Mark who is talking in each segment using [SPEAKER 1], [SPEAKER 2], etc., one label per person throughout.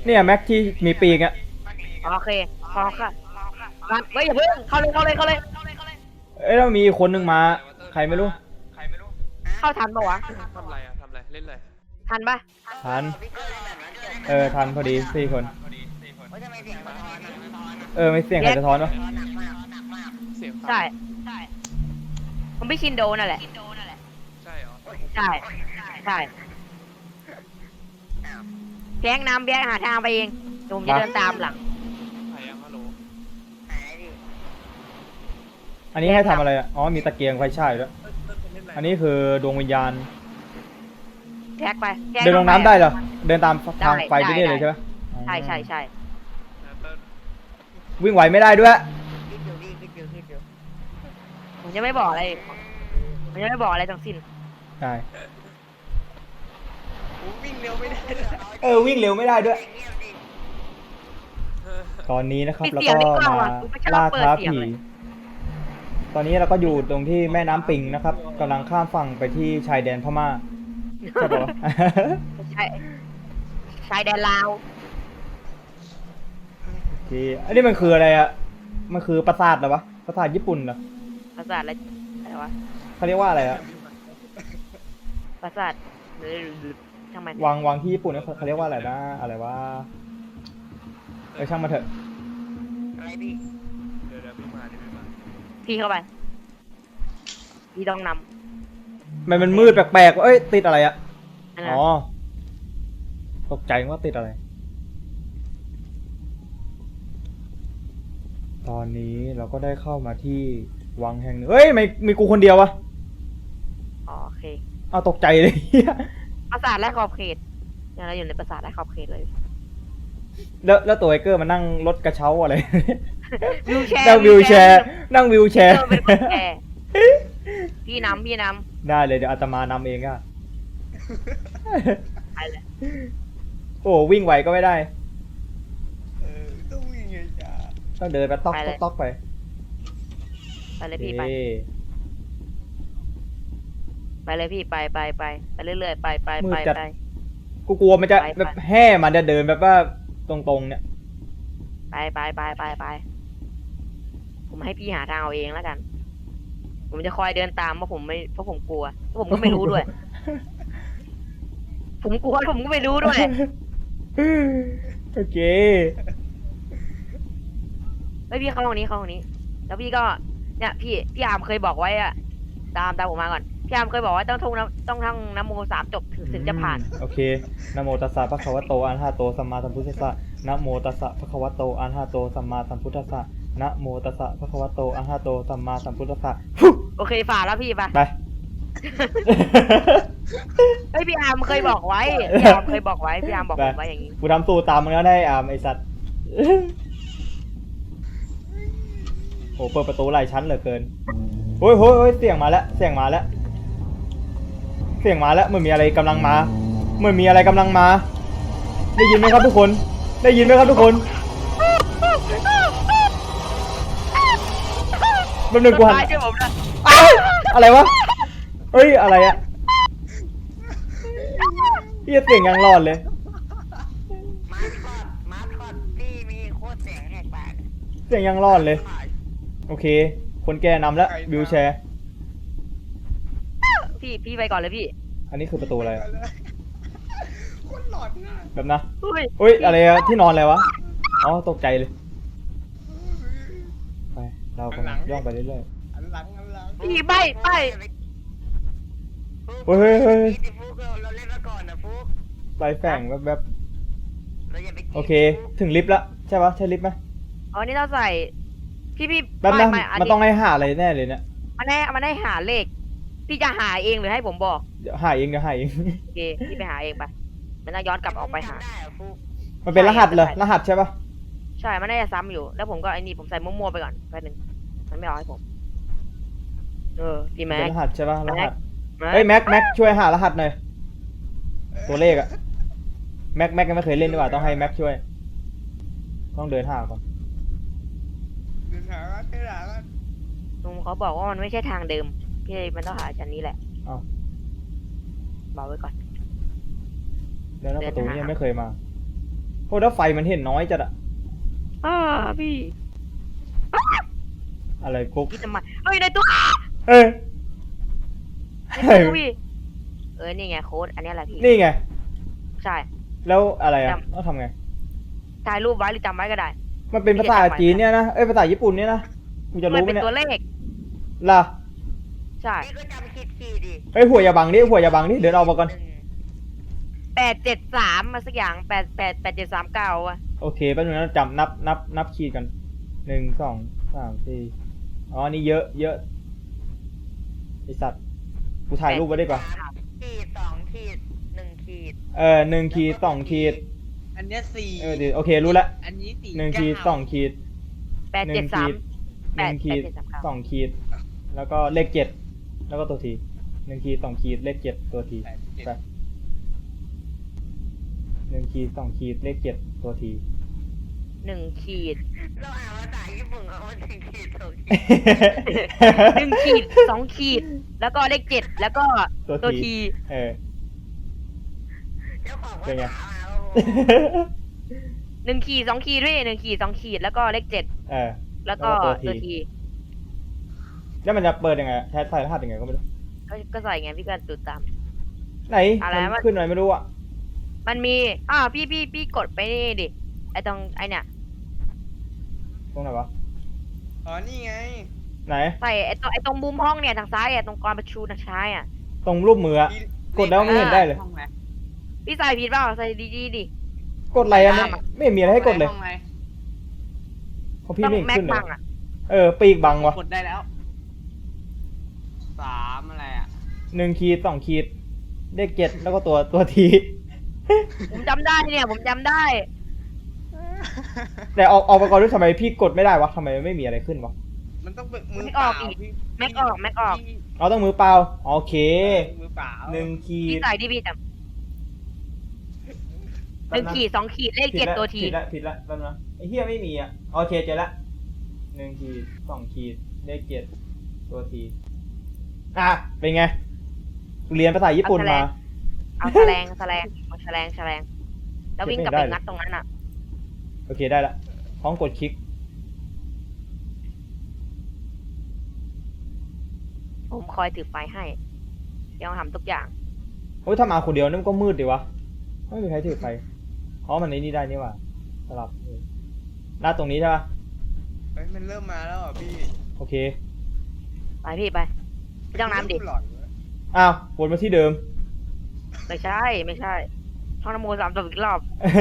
[SPEAKER 1] เนี่ยแม็กที่มีปีกอะ
[SPEAKER 2] โอเคพอค่ะเฮ้ยอย่าเพิ่งเข้าเลย
[SPEAKER 1] เอ้ยแล้วมีคนหนึ่งมาใครไม่รู้
[SPEAKER 2] เข้าทันปะวะ
[SPEAKER 3] ทำไรอะทำไรเล่นไร
[SPEAKER 2] ทันปะ
[SPEAKER 1] ทันทันพอดี4 คนไม่เสียงใครสะท้อนวะ
[SPEAKER 3] เสียง
[SPEAKER 2] ใช่ผมไม่ชินโดนั่นแหละ
[SPEAKER 3] ใช่เหรอ
[SPEAKER 2] ใช่แบงค์นำแบงค์หาทางไปเองผมจะเดินตามหลัง
[SPEAKER 3] ถ่ายยังฮัลโหล
[SPEAKER 1] อันนี้ให้ทำอะไรอะอ๋อมีตะเกียงไฟฉายด้วยอันนี้คือดวงวิญญาณ
[SPEAKER 2] แท็กไป
[SPEAKER 1] เดินลงน้ำได้เหรอเดินตามทางไฟไปเรื่อยเลยใช่ไหม
[SPEAKER 2] ใช่
[SPEAKER 1] วิ่งไหวไม่ได้ด้วย
[SPEAKER 2] ผมจะไม่บอกอะไรทั้งสิ้น
[SPEAKER 1] ใช่
[SPEAKER 3] วิ่งเร็วไม่ได้
[SPEAKER 1] วิ่งเร็วไม่ได้ด้วยตอนนี้นะครับแล้วก็มาล่าท้าผีตอนนี้เราก็อยู่ตรงที่แม่น้ำปิงนะครับกำลังข้ามฝั่งไปที่ชายแดนพม่าใช่ปะ
[SPEAKER 2] ใช่ชายแดนลาว
[SPEAKER 1] ที่อันนี้มันคืออะไรอะมันคือปราสาทเหรอวะปราสาทญี่ปุ่นเหรอ
[SPEAKER 2] ปราสาทอะไรวะ
[SPEAKER 1] เขาเรียกว่าอะไรอะ
[SPEAKER 2] ปราสาทหรือช่างมัน
[SPEAKER 1] วางที่ญี่ปุ่นเขาเรียกว่าอะไรนะอะไรวะช่างมาเถอะ
[SPEAKER 2] อะไรพี่
[SPEAKER 3] เดี๋ยวพี่มา
[SPEAKER 2] พี่เข้าไปพี่ต้องน
[SPEAKER 1] ำมันมืดแปลกๆติดอะไรอะอ๋อตกใจว่าติดอะไรตอนนี้เราก็ได้เข้ามาที่วังแห่งหนึ่งไม่มีกูคนเดียววะ
[SPEAKER 2] โอเค
[SPEAKER 1] เอาตกใจเลย
[SPEAKER 2] ปราสาทและขอบเขตยังเราอยู่ในปราสาทและขอบเขตเลย
[SPEAKER 1] แล้วตัวไอเกอร์มานั่งรถกระเช้าอะไร
[SPEAKER 2] วิวแชร์
[SPEAKER 1] นั่งวิวแชร์
[SPEAKER 2] พี่นำ
[SPEAKER 1] ได้เลยเดี๋ยวอาตมานำเองอะ
[SPEAKER 2] ไปเลย
[SPEAKER 1] โอ้วิ่งไหวก็ไม่ได้
[SPEAKER 3] ต้องวิ่งไงจ้า
[SPEAKER 1] ต้องเดินไปต๊อกไป
[SPEAKER 2] เลยพี่ไปเลยพี่ไปเรื่อยๆไป
[SPEAKER 1] กูกลัวมันจะแบบแห่มันจะเดินแบบว่าตรงๆเนี่ย
[SPEAKER 2] ไปผมให้พี่หาทางเอาเองแล้วกันผมจะคอยเดินตามเพราะผมกลัวเพราะผมก็ไม่รู้ด้วยผมกลัวผมก็ไม่รู้ด้วย
[SPEAKER 1] โอเค
[SPEAKER 2] แล้วพี่เข้าห้องนี้แล้วพี่ก็เนี่ยพี่อาร์มเคยบอกไว้อะตามผมมาก่อนพี่อาร์มเคยบอกว่าต้องท่องนโม3จบถึงจะผ่าน
[SPEAKER 1] โอเคนะโมตัสสะภะคะวะโตอะระหะโตสัมมาสัมพุทธัสสะนะโมตัสสะภะคะวะโตอะระหะโตสัมมาสัมพุทธัสสะนะโมตัสสะภะคะวะโตอะระหะโตสัมมาสัมพุทธัสสะ
[SPEAKER 2] โอเคฝ่าแล้วพี่ไปพี่อาร์มเคยบอกไว้พี่อาร์มบอกผมไว้อย่างนี้
[SPEAKER 1] กูทำตูตามมึงแล้วได้อาร์มไอสัตว์โหเปิดประตูหลายชั้นเหลือเกินโอ้ยเสียงมาแล้วเหมือนมีอะไรกำลังมาได้ยินไหมครับทุกคนแป๊บนึงกูหันอะไรวะอะไรอะเสียงยังรอดเลย
[SPEAKER 2] มาร์คอดพี่มีโคตรเสียงแหกปาก
[SPEAKER 1] เสียงยังรอดเลยโอเคคนแก่นำแล้ววิวแชร์
[SPEAKER 2] พี่ไปก่อนเลยพี่
[SPEAKER 1] อันนี้คือประตูอะไร
[SPEAKER 3] คนหลอนนะ
[SPEAKER 1] แบบนะอะไรอะที่นอนอะไรวะอ๋อตกใจเลยไปเรากำลังย่องไปเรื่อย
[SPEAKER 3] ๆอันหลัง
[SPEAKER 2] พี่ไป
[SPEAKER 1] เฮ้ย
[SPEAKER 2] ฟุกเราเล่นมาก่อนนะฟุก
[SPEAKER 1] ไฟแฝงแบบโอเคถึงลิฟต์แล้วใช่ปะใช่ลิฟต์ไหม
[SPEAKER 2] อ๋อนี่เราใส่พี่
[SPEAKER 1] แบบนั้นมันต้องให้หาอะไรแน่เลยเนี่ย
[SPEAKER 2] มันให้หาเลขพี่จะหาเองหรือให้ผมบอก
[SPEAKER 1] เดี๋ยวหาเอง
[SPEAKER 2] โอเคพี่ไปหาเองไปมันต้องย้อนกลับออกไปหา
[SPEAKER 1] มันเป็นรหัสเหรอรหัสใช่ปะ
[SPEAKER 2] ใช่มันน่าจะซ้ำอยู่แล้วผมก็ไอ้นี่ผมใส่มั่วๆไปก่อนแป๊บนึงมันไม่เอาให้ผมพี่แม็ก
[SPEAKER 1] รหัสใช่ปะรหัสแม็กช่วยหารหัสหน่อยตัวเลขอะแม็กยังไม่เคยเล่นดีกว่าต้องให้แม็กช่วยต้องเดินหาก่อน
[SPEAKER 2] ลุงเขาบอกว่ามันไม่ใช่ทางเดิมพี่มันต้องหาชั้นนี้แหละบอกไว้ก่อน
[SPEAKER 1] แล้วประตูนี้ยังไม่เคยมาอ้แล้วไฟมันเห็นน้อยจัดอะ
[SPEAKER 2] พี่
[SPEAKER 1] อะไรกุ๊ก
[SPEAKER 2] พี่ทำไมเฮ้ยในตู้
[SPEAKER 1] เอ้ย
[SPEAKER 2] ในตู้พี่นี่ไงโค้ดอันนี้แหละพี่
[SPEAKER 1] นี่ไง
[SPEAKER 2] ใช่
[SPEAKER 1] แล้วอะไรอะต้องทำไง
[SPEAKER 2] ถ่ายรูปไว้หรือจำไว้ก็ได้
[SPEAKER 1] มันเป็นภาษาจีนเนี่ยนะภาษาญี่ปุ่นเนี่ยนะกูจะ
[SPEAKER 2] มัน
[SPEAKER 1] รู้ไหม
[SPEAKER 2] เป็น
[SPEAKER 1] เนี่ย
[SPEAKER 2] ตัวเลข
[SPEAKER 1] ล่ะ
[SPEAKER 2] ใช่
[SPEAKER 4] พี่ก็จำคีดิ
[SPEAKER 1] เฮ้ยหัวอย่าบังดิหัวอย่าบังดิเดินออกมาก่อน
[SPEAKER 2] 873มาสักอย่าง8739อะ
[SPEAKER 1] โอเคแป๊บนึงนะจำนับขีดกัน1 2 3 4อ๋อนี่เยอะไอสัตว์กูถ่ายรูปไว้ดีกว่า
[SPEAKER 4] ขีด2ขีด1ขีด
[SPEAKER 1] 1 ขีด 2 ขีด
[SPEAKER 3] อันเนี้ยสี่
[SPEAKER 1] เดี๋ยวโอเครู้ละ
[SPEAKER 3] อันนี้สี่
[SPEAKER 1] 1 ขีด 2 ขีด
[SPEAKER 2] 873
[SPEAKER 1] 1 ขีด 2 ขีด แล้วก็เลข 7 แล้วก็ตัวที1 ขีด 2 ขีดเลข 7 ตัวที
[SPEAKER 3] แปด
[SPEAKER 1] ไป1 ขีด 2 ขีดเลข 7 ตัวที
[SPEAKER 2] 1 ขีด
[SPEAKER 4] เราอ่านภาษาญี่ปุ่นเอา1ขีด2ขีด
[SPEAKER 2] 1 ขีด 2 ขีด แล้วก็เลข 7 แล้วก็ตัวที
[SPEAKER 1] เออ
[SPEAKER 4] เจ้าของภา
[SPEAKER 1] เป็นไง
[SPEAKER 4] ษามาโอ้โห
[SPEAKER 2] 1 ขีด 2 ขีดด้วย1ขีด 2 ขีด แล้วก็เลข 7
[SPEAKER 1] เออ
[SPEAKER 2] แล้วก็
[SPEAKER 1] แล้วก็ตั
[SPEAKER 2] ตัว ว
[SPEAKER 1] ที
[SPEAKER 2] ที
[SPEAKER 1] แล้วมันจะเปิดยังไงใช้ใส่รหัสยังไงก็ไม่รู้
[SPEAKER 2] ก็ใส่ไงพี่ก็ดูตาม
[SPEAKER 1] ไหน
[SPEAKER 2] อะไร
[SPEAKER 1] มัน
[SPEAKER 2] วะ
[SPEAKER 1] ขึ้นอะไรไม่รู้อ่ะ
[SPEAKER 2] มันมีพี่กดไปนี่ดิไอตรงไอเนี่ย
[SPEAKER 1] ตรงไหนวะ
[SPEAKER 3] อ๋อนี่ไง
[SPEAKER 1] ไหน
[SPEAKER 2] ใส่ไอตรงมุมห้องเนี่ยทางซ้ายตรงกรประชูทางซ้ายอ่ะ
[SPEAKER 1] ตรงรูปมืออะ
[SPEAKER 3] ที่
[SPEAKER 1] กดแล้วไม่เห็นได้เลย
[SPEAKER 3] ห้องไหน
[SPEAKER 2] พี่ใส่ผิดเปล่าใส่ดีๆดิ
[SPEAKER 1] กดอะไรอันเนี้ย
[SPEAKER 2] ตามอะ
[SPEAKER 1] ไม่เห็นมีอะไรให้กดเลย
[SPEAKER 3] ห้องไหน
[SPEAKER 1] เพราะพี่
[SPEAKER 2] ต้อง
[SPEAKER 1] ไม่เห็น
[SPEAKER 2] แม็ก
[SPEAKER 1] ขึ้นเล
[SPEAKER 2] บั
[SPEAKER 1] ย
[SPEAKER 2] งอ่ะ
[SPEAKER 1] ปีกบังวะ
[SPEAKER 3] กดได้แล้ว3อะไรอ่ะ
[SPEAKER 1] 1 ขีด 2 ขีดเลข 7 แล้วก็ตัวที
[SPEAKER 2] ผมจำได้เนี่ยผมจำได้
[SPEAKER 1] แต่ออกมาก่อนด้วยทำไมพี่กดไม่ได้วะทำไมไม่มีอะไรขึ้นวะ
[SPEAKER 3] มันต้องเป็นมือ
[SPEAKER 2] ไม่
[SPEAKER 3] เป
[SPEAKER 2] ออ
[SPEAKER 3] ล่าก
[SPEAKER 2] อีก
[SPEAKER 3] พี่
[SPEAKER 2] แม็กออกแม็กออก
[SPEAKER 3] พี่
[SPEAKER 1] เราต้องมือเปล่าโอเค
[SPEAKER 3] มือเปล่า
[SPEAKER 1] 1 ขี
[SPEAKER 2] พี่
[SPEAKER 1] ด
[SPEAKER 2] ใส่ดิพี่จำ1 ขีด 2 ขีดเลข 7 ตัวที
[SPEAKER 1] ผิดละแป๊บนะไอ้เหี้ยไม่มีอ่ะโอเคเจอละ1 ขีด 2 ขีดเลข 7 ตัวทีเป็นไงเรียนภาษาญี่ปุ่นมา
[SPEAKER 2] เอาแฉลงแล้ววิ่งกลับไปงัดตรงนั้นอ่ะ
[SPEAKER 1] โอเคได้ละพร้อมกดคลิก
[SPEAKER 2] ผมคอยถือไฟให้ยังทำทุกอย่าง
[SPEAKER 1] โอ้ยถ้ามาคนเดียวนั่นก็มืดดิวะไม่มีใครถือไฟอ๋อมันนี่ได้นี่หว่าสลับหน้าตรงนี้ใช่ปะ
[SPEAKER 3] เฮ้ยมันเริ่มมาแล้วอ่ะพี่
[SPEAKER 1] โอเค
[SPEAKER 2] ไปพี่ไปไม่ต้องน้ำดิ
[SPEAKER 3] หลอนเว้ย
[SPEAKER 1] อ้าววนมาที่เดิม
[SPEAKER 2] ไม่ใช่ท่องนโม3 จบอีกรอบ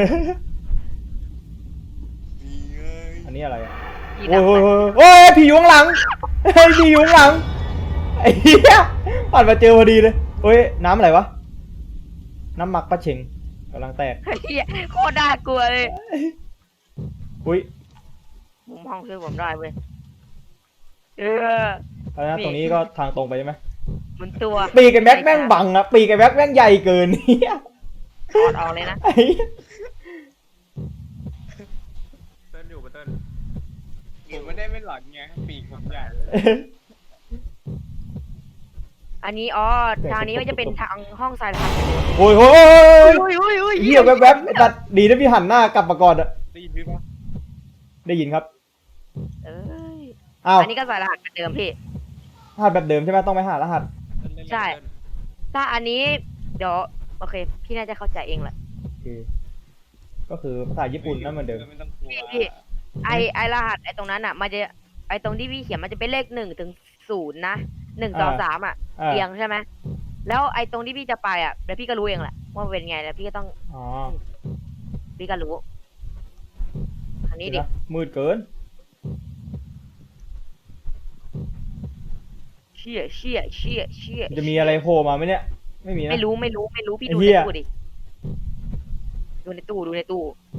[SPEAKER 3] นี่ไง
[SPEAKER 1] อันนี้อะไรอ่ะ
[SPEAKER 2] พี่
[SPEAKER 1] โอ้
[SPEAKER 2] ดั
[SPEAKER 1] ย
[SPEAKER 2] บ
[SPEAKER 1] โอ้ย
[SPEAKER 2] ไป
[SPEAKER 1] โอ้ยโอ้ยผีอยู่ข้างหลังเฮ้ยผีอยู่ข้างหลังไอ้เหี้ยผ่านมาเจอพอดีเลยโอ้ยน้ำอะไรวะน้ำหมักปลาเชงกำลังแตก
[SPEAKER 2] เฮียโคตรน่ากลัวเลย
[SPEAKER 1] อุ้ย
[SPEAKER 2] มุมห้องช่วยผมได้เว้ย
[SPEAKER 1] แล้วนะตรงนี้ก็ทางตรงไปใช่ไหม
[SPEAKER 2] มันตัว
[SPEAKER 1] ปีกไอ้แม็กแม่งบังอะปีกไอ้แม็กแม่งใหญ่เกินเนี่ย
[SPEAKER 2] ถอดออกเลยนะ
[SPEAKER 1] ไอ้เหี้ย
[SPEAKER 3] เติ้ลอยู่ปะเติ้ลผมไม่ได้ไม่หลอนไงปีกผมใหญ่
[SPEAKER 2] อันนี้ทางนี้ก็จะเป็นทางห้องสายพันธุ์
[SPEAKER 1] โอ้ยโอ้ย
[SPEAKER 2] อุ้ย
[SPEAKER 1] เหี้ยแวบๆไอ้ตัดดีนะพี่หันหน้ากลับมาก่อนอะ
[SPEAKER 3] ได้ยินพี่ปะ
[SPEAKER 1] ได้ยินครับ
[SPEAKER 2] เอ้ย
[SPEAKER 1] อ้าว
[SPEAKER 2] อันนี้ก็ใส่รหัสเหมือนเดิมพี่
[SPEAKER 1] รหัสแบบเดิมใช่ไหมต้องไปหารหัส
[SPEAKER 2] ใช่ ถ้าอันนี้เดี๋ยวโอเค พี่น่าจะเข้าใจเองแหละ
[SPEAKER 1] โอเคก็คือภาษาญี่ปุ่นนั่นเหมือนเดิม
[SPEAKER 3] ไม่ต้องกลัว
[SPEAKER 2] พี่ ไอรหัสไอตรงนั้นอ่ะมันจะไอตรงที่พี่เขียนมันจะเป็นเลข1 ถึง 0นะ1 2 3อ่ะเรียงใช่ไหมแล้วไอตรงที่พี่จะไปอ่ะเดี๋ยวพี่ก็รู้เองแหละว่าเป็นไงแล้วพี่ก็ต้อง
[SPEAKER 1] อ๋อ
[SPEAKER 2] พี่ก็รู้อันนี้ดิ
[SPEAKER 1] เดี๋ยวนะมืดเกิน
[SPEAKER 2] เชี่ย
[SPEAKER 1] จะมีอะไรโผล่มาไหมเนี่ยไม่มีนะ
[SPEAKER 2] ไม่รู้พี่
[SPEAKER 1] ไอ้
[SPEAKER 2] ดู
[SPEAKER 1] เหี้
[SPEAKER 2] ใน
[SPEAKER 1] ย
[SPEAKER 2] ตู้ดิดูในตู้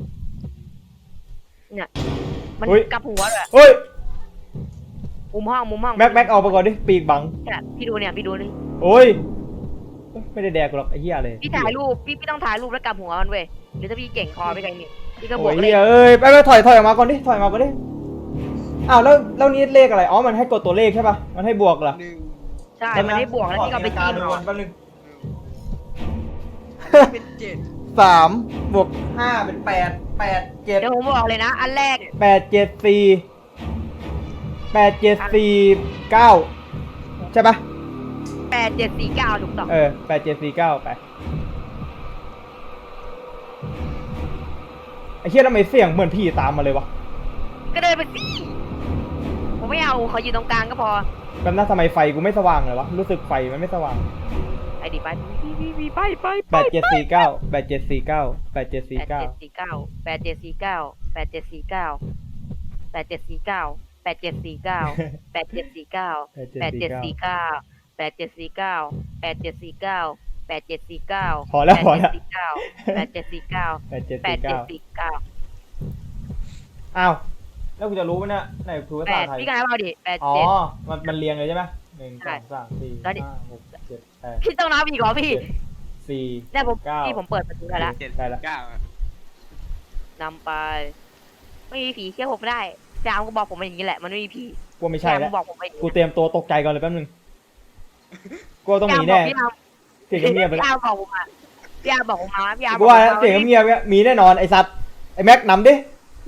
[SPEAKER 2] เนี่ยมันกลับหัวเลย
[SPEAKER 1] เฮ้ย
[SPEAKER 2] มุมห้อง
[SPEAKER 1] แม็กเอาไปก่อนดิปีกบัง
[SPEAKER 2] เนี่ยพี่ดูนี่
[SPEAKER 1] โอ้ยไม่ได้แดกกูหรอกไอ้เหี้ยเลย
[SPEAKER 2] พี่ถ่ายรูปพี่ต้องถ่ายรูปแล้วกลับหัวมันเว้ยหรือถ้าพี่เก่งพอไปไกลนี่พี่ก็บ
[SPEAKER 1] โอ้
[SPEAKER 2] วก
[SPEAKER 1] ย
[SPEAKER 2] เล
[SPEAKER 1] เหี้
[SPEAKER 2] ย
[SPEAKER 1] ยเอ้ยไปถอยออกมาก่อนดิถอยออกมาก่อนดิอ้าวแล้วนี่เลขอะไรอ๋อมันให้กดตัวเลขใช่ป่ะมันให้บวกเหรอ
[SPEAKER 3] หนึ่ง
[SPEAKER 2] ใช่มันให้บวกแล้วพี่ก็ไปจิ้ม
[SPEAKER 1] ดู
[SPEAKER 2] เอา
[SPEAKER 1] แป๊บนึง
[SPEAKER 3] อันนี้เป็น7
[SPEAKER 1] 3บวก5เป็น8 8
[SPEAKER 2] เดี๋ยว
[SPEAKER 1] 7
[SPEAKER 2] ผมบอกเลยนะ อันแรก
[SPEAKER 1] 8 7 4 8 7 4 9ใช่ปะ
[SPEAKER 2] 8749ถูกต้อง
[SPEAKER 1] 8 7 4 9ไปไอ้เหี้ยทำไมเสียงเหมือนผีตามมาเลยวะ
[SPEAKER 2] ก็เดินไปสิผมไม่เอาเขาอยู่ตรงกลางก็พอ
[SPEAKER 1] แบบนั้นทำไมไฟกูไม่สว่างเลยวะรู้สึกไฟมันไม่สว่าง
[SPEAKER 2] ไอ้ดิไปไป
[SPEAKER 1] 8 7 4 9 8 7 4 9 8 7 4 9
[SPEAKER 2] 8749 8749 8749 8749 8749 8749 8749 8749 8749
[SPEAKER 1] พอแล้วพอแล้ว
[SPEAKER 2] 8749
[SPEAKER 1] 8 7 4 9
[SPEAKER 2] 8749
[SPEAKER 1] อ้าวแล้วกูจะรู้ไหมเนี่ยไหนคือภาษาไทย
[SPEAKER 2] พี่กายเอาดิ
[SPEAKER 1] อ๋อ
[SPEAKER 2] 87
[SPEAKER 1] มันเรียงเลยใช่ไหม1
[SPEAKER 2] ใช่
[SPEAKER 1] 2 3 4
[SPEAKER 2] แล้วดิ
[SPEAKER 1] 5 6 7 8
[SPEAKER 2] พี่ต้องนับอีกเหรอพี่
[SPEAKER 1] 4
[SPEAKER 2] เนี่ยผม
[SPEAKER 1] เก้า
[SPEAKER 2] พี่ผมเปิดประตูได้แล้ว
[SPEAKER 1] ได้ละ
[SPEAKER 2] นำไป ไม่มีผีเชื่อผมไม่ได้จามก็บอกผมมาอย่างนี้แหละมันไม่มีผี
[SPEAKER 1] กูไม่ใช่
[SPEAKER 2] จาม
[SPEAKER 1] แล้ว
[SPEAKER 2] บอกผมไป
[SPEAKER 1] กูเตรียมตัวตกใจก่อนเลยแป๊บนึงกูว่าต้องมีแน่
[SPEAKER 2] พี่อาร์ม
[SPEAKER 1] เสียงเงียบๆไป
[SPEAKER 2] พี่
[SPEAKER 1] แล้ว
[SPEAKER 2] อาร์มบอกผมมาพี่อาร์มบอกผมมาพี่อาร์ม
[SPEAKER 1] กูว่าแล้วเสียงเงียบๆมีแน่นอนไอ้สัตว์ไอ้แม็กนำดิ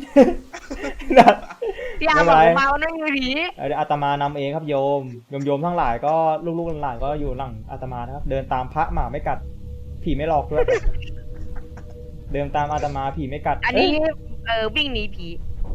[SPEAKER 2] พี่อาร์มบอกผมมาว่าไม่มีผี
[SPEAKER 1] เดี๋ยวอาตมานำเองครับโยมทั้งหลายก็ลูกๆหลานๆก็อยู่หลังอาตมานะครับ เดินตามพระหมาไม่กัด ผีไม่หลอกด้วย เดินตามอาตมาผีไม่กัด
[SPEAKER 2] อันนี้
[SPEAKER 1] เอ้ย
[SPEAKER 2] วิ่งหนีผี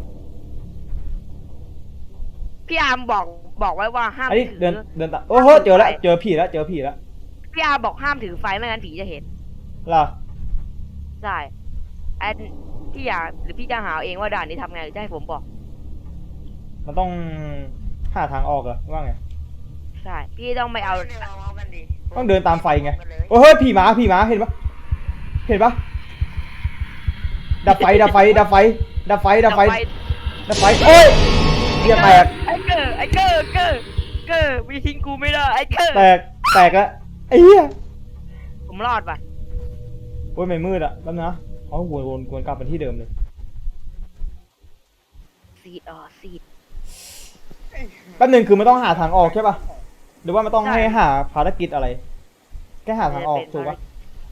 [SPEAKER 2] พี่อาร์มบอกไว้ว่าห้าม
[SPEAKER 1] อันนี้
[SPEAKER 2] ถื
[SPEAKER 1] เดินตามโอ้โหเจอแล้วเจอผีแล้ว
[SPEAKER 2] พี่อาร์มบอกห้ามถือไฟไม่งั้นผีจะเห็น
[SPEAKER 1] ล่ะ
[SPEAKER 2] ใช่อันพี่อยากหรือพี่จะหาเองว่าด่านนี้ทำไงหรือจะให้ผมบอก
[SPEAKER 1] มันต้องหาทางออกเหรอว่าไง
[SPEAKER 2] ใช่พี่ต้องไม่เอา
[SPEAKER 1] ต้องเดินตามไฟไง โอ้เฮ้ยผีหมาเห็นปะดับไฟโอ้ยเหี้ยแตก
[SPEAKER 2] ไอ้เกอร์มีทิ้งกูไม่ได้ไอ้เกอร์
[SPEAKER 1] แตกแล้วไอ้เหี้ย
[SPEAKER 2] ผมรอดป่ะ
[SPEAKER 1] โอ้ยไม่มืดอะแป๊บนะเอาวนกลับไปที่เดิมเลย
[SPEAKER 2] ซีด
[SPEAKER 1] แป๊บนึงคือมันต้องหาทางออกใช่ปะหรือว่ามันต้องให้หาภารกิจอะไร แค่หาทางออกถูกปะ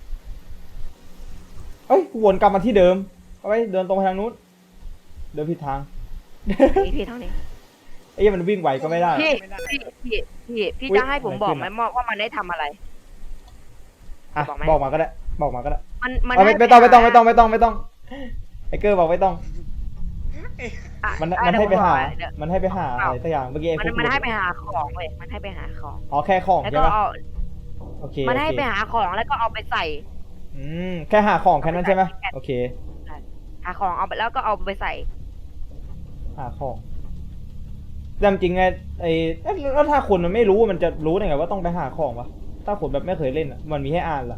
[SPEAKER 1] เอ้ยวนกลับมาที่เดิมเอาไว้เดินตรงไปทางนู้นเดินผิดทาง
[SPEAKER 2] พี่เท่านี้
[SPEAKER 1] ไอ้เหี้ยมันวิ่งไหวก็ไม่ได้
[SPEAKER 2] พี่จะให้ผมบอกไหมว่ามันได้ทำอะไร
[SPEAKER 1] อ่ะ
[SPEAKER 2] บอกไหม
[SPEAKER 1] บอกมาก็ได้
[SPEAKER 2] มัน
[SPEAKER 1] เอา
[SPEAKER 2] ให้
[SPEAKER 1] ไม่ต้องไอ้เกอร์บอกไม่ต้อง มันให้ไปหาอะไรสักอย่างเมื่อกี้ไอ้พวก
[SPEAKER 2] มันให้ไปหาของเว้ยมันให้ไปหาของ
[SPEAKER 1] อ๋อแค่ของ
[SPEAKER 2] แล้ว
[SPEAKER 1] ใช่
[SPEAKER 2] ก็
[SPEAKER 1] ปะ
[SPEAKER 2] เอา
[SPEAKER 1] โอเค
[SPEAKER 2] มันให้ไปหาของแล้วก็เอาไปใส่
[SPEAKER 1] แค่หาของแค่นั้นใช่ไหมโอเค
[SPEAKER 2] หาของเอาไปแล้วก็เอาไปใส่
[SPEAKER 1] หาของแต่จริงไงไอ้แล้วถ้าคนมันไม่รู้มันจะรู้ได้ไงว่าต้องไปหาของวะถ้าคนแบบไม่เคยเล่นอ่ะมันมีให้อ่านเหรอ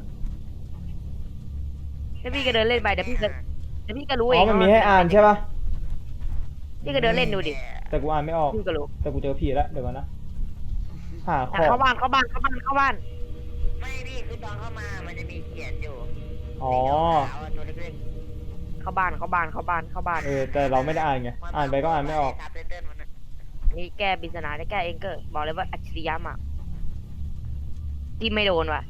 [SPEAKER 2] แล้วพี่ก็เดินเล่นไปเดี๋ยวพี่ก็รู้เอ
[SPEAKER 1] อ๋อง มันมีให้อ่านใช่ปะ
[SPEAKER 2] พี่ก็เดินเล่นดูดิ
[SPEAKER 1] แต่กูอ่านไม่ออก
[SPEAKER 2] พี่ก็รู้
[SPEAKER 1] แต่กูเจอผีแล้วเดี๋ยวก่อนนะหาข
[SPEAKER 2] แต่
[SPEAKER 1] อง
[SPEAKER 2] เข้าบ้าน
[SPEAKER 4] ไม่พี่คือตอนเข้ามามันจะมีเขียนอยู่
[SPEAKER 1] อ๋อ
[SPEAKER 4] ขาวๆตัวเล็ก
[SPEAKER 2] เข้าบ้าน
[SPEAKER 1] แต่เราไม่ได้อ่านไง
[SPEAKER 4] ๆ
[SPEAKER 1] อ่านไปก็อ่านไม่ออก
[SPEAKER 4] ซับไตเติ้ลมันน่ะ
[SPEAKER 2] นี่แก้ปริศนาได้แก้เองเกอร์บอกเลยว่าอัจฉริยะมากที่ไม่โดนว่ะ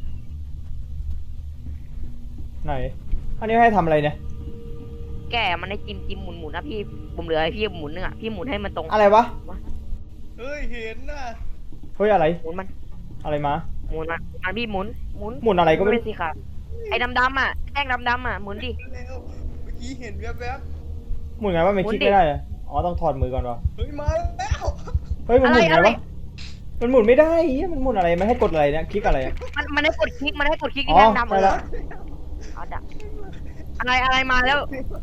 [SPEAKER 1] ไหนอันนี้ให้ทำอะไรเนี่ย
[SPEAKER 2] แก้มันให้จิ้มหมุนนะพี่ผมเหลือให้พี่หมุนนึงอ่ะพี่หมุนให้มันตรง
[SPEAKER 1] อะไรวะ
[SPEAKER 3] เฮ้ยเห็นน่ะ
[SPEAKER 1] เฮ้ยอะไร
[SPEAKER 2] หมุนมัน
[SPEAKER 1] อะไรมา
[SPEAKER 2] มันพี่หมุน
[SPEAKER 1] หมุนอะไรก็ไม่รู้
[SPEAKER 2] เป็นสีขาวไอ้ดำอ่ะแท่งดำอ่ะหมุนดิ
[SPEAKER 3] เร็วเมื่อกี้เห็นแวบ
[SPEAKER 1] หมุนไงว่ามันคลิกไม่ได้อะอ๋อต้องถอดมือก่อนวะ
[SPEAKER 3] ๆเฮ้ยมาแล้ว
[SPEAKER 1] เฮ้ยมันหมุนไง
[SPEAKER 2] อะไร
[SPEAKER 1] วะ มันหมุนไม่ได้เหี้ยมันหมุนอะไรมันให้กดอะไรเนี่ยคลิกอะไรอะ
[SPEAKER 2] มันให้กดคลิกที่
[SPEAKER 1] อ๋อ
[SPEAKER 2] แท่งดำ
[SPEAKER 1] ได้แล้ว
[SPEAKER 2] เอาดับอะไรมาแล้ว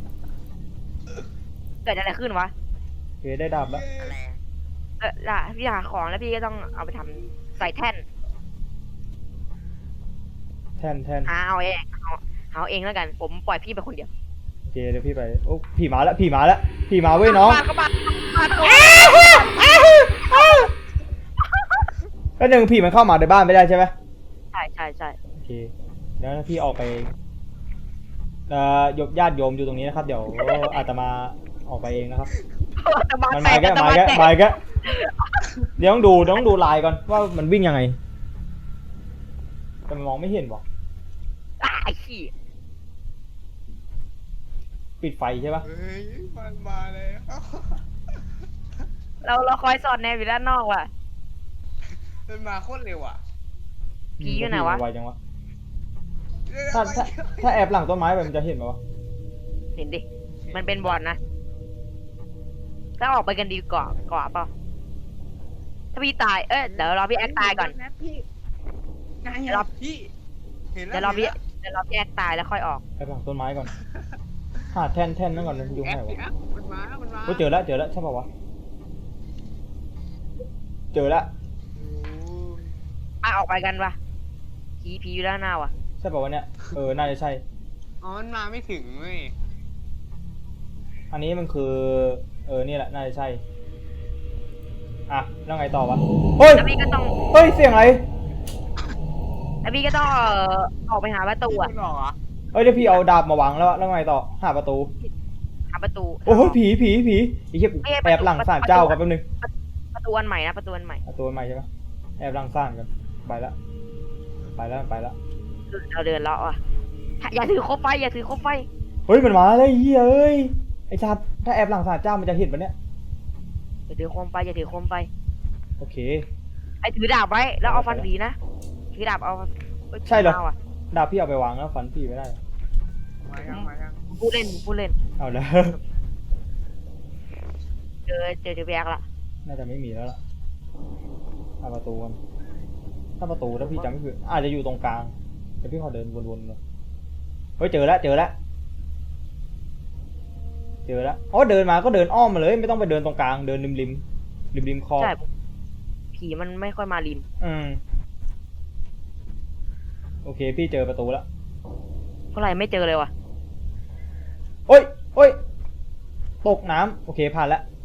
[SPEAKER 2] เกิดอะไรขึ้นวะ
[SPEAKER 1] โอเคได้ดาบแล้ว
[SPEAKER 4] อะไรอะ
[SPEAKER 2] ล่ะพี่หาของแล้วพี่ก็ต้องเอาไปทำใส่แท่น
[SPEAKER 1] แท่น
[SPEAKER 2] หาเอาเองแล้วกัน ผมปล่อยพี่ไปคนเดียว
[SPEAKER 1] โอเคเดี๋ยวพี่ไปโอ้ผีมาแล้วผีมาเว้ยน้อง
[SPEAKER 2] เข้าบ้าน
[SPEAKER 1] แล้วหนึ่งผีมันเข้ามาในบ้านไม่ได้ใช่ไหม
[SPEAKER 2] ใช่
[SPEAKER 1] โอเคเดี๋ยวพี่ออกไปญาติโยมอยู่ตรงนี้นะครับ เดี๋ยวอาตมาออกไปเองนะครับ มันมาแกเดี๋ยวต้องดูลายก่อนว่ามันวิ่งยังไงแต่มันมองไม่เห็นวะ
[SPEAKER 2] ไอ้ขี้
[SPEAKER 1] ปิดไฟใช่ปะ
[SPEAKER 3] เฮ้ยมันมาเลย
[SPEAKER 2] เราคอยสอดแนมอยู่ด้านนอกว่ะ
[SPEAKER 3] มันมาโคตรเร็วอ่ะ
[SPEAKER 2] ผีอยู่ไหนวะ
[SPEAKER 1] ไวจังวะถ้าแอบหลังต้นไม้ไปมันจะเห็นไหมวะ
[SPEAKER 2] เห็นดิ มันเป็นบอลนะถ้าออกไปกันดีกว่าเปล่าถ้าพี่ตาย เดี๋ยวรอพี่แอ๊กตายก่อน
[SPEAKER 3] พี่ไง
[SPEAKER 2] เดี๋ยวเรา
[SPEAKER 3] พี่เห็นแล้ว
[SPEAKER 2] เดี๋ยวรอพี่แอ๊กตายแล้วค่อยออก
[SPEAKER 1] แอบหลังต้นไม้ก่อนหาแท่นนั่นก่อนมันยุง
[SPEAKER 3] แอ
[SPEAKER 1] ไหน
[SPEAKER 3] ป
[SPEAKER 1] วะ
[SPEAKER 3] แอปมันมามันมา
[SPEAKER 1] โอ้ยเจอแล้วใช่ป่าวะเจอแล้ว
[SPEAKER 2] ออกไปกันปะผีอยู่ด้านหน้าว่ะ
[SPEAKER 1] ใช่ป่าวะเนี่ยน่าจะใช่
[SPEAKER 3] อ๋อมันมาไม่ถึงเว้ย
[SPEAKER 1] อันนี้มันคือนี่แหละน่าจะใช่อ่ะแล้วไงต่อวะเฮ้ย
[SPEAKER 2] แล้วพี่ก็ต้อง
[SPEAKER 1] เฮ้ยเสียงอะไร
[SPEAKER 2] ออกไปหาประตู
[SPEAKER 3] พี่
[SPEAKER 2] อะ
[SPEAKER 3] มันออกเหรอ
[SPEAKER 1] เฮ้ยเดี๋ยวพี่เอาดาบมาวางแล้วไงต่อหาประตู
[SPEAKER 2] หาประตู
[SPEAKER 1] โอ้โหผีไอ้เหี้ย
[SPEAKER 2] ไม่ใช่
[SPEAKER 1] แอบหลังศาลเจ้ากันแป๊บนึง
[SPEAKER 2] ประตูอันใหม่นะประตูอันใหม่
[SPEAKER 1] เอาตัวใหม่ใช่ปะแอบหลังศาลกันไปละ
[SPEAKER 2] เราเดินเลาะอ่ะอย่าถือโคบไฟ
[SPEAKER 1] เฮ้ยมันมาเลยเหี้ยเอ้ยไอ้ชาติถ้าแอบหลังศาลเจ้ามันจะเห็นปะเนี่ย
[SPEAKER 2] อย่าถือโคมไฟ
[SPEAKER 1] โอเค
[SPEAKER 2] ไอ้ถือดาบไว้แล้วเอาฟันผีนะถือดาบเอา
[SPEAKER 1] ใช่เหรอ
[SPEAKER 2] าว่ะ
[SPEAKER 1] ดาบพี่เอาไปวางแล้วฟันพี่ไม่ได้
[SPEAKER 3] มายัง
[SPEAKER 2] พูดเล่น
[SPEAKER 1] เอาแล้ว
[SPEAKER 2] เจอแบกละ
[SPEAKER 1] น่าจะไม่มีแล้วล่ะเอาประตูกันถ้าพี่จำไม่ผิดอาจจะอยู่ตรงกลางเดี๋ยวพี่ขอเดินวนๆเลยเฮ้ยเจอแล้วอ๋อเดินมาก็เดินอ้อมมาเลยไม่ต้องไปเดินตรงกลางเดินริมคลอง
[SPEAKER 2] ใช่ผีมันไม่ค่อยมาริม
[SPEAKER 1] โอเคพี่เจอประตูแล้ว
[SPEAKER 2] เท่าไหร่ไม่เจอเลยว่ะ
[SPEAKER 1] โอ้ยตกน้ำโอเคผ่านแล้ว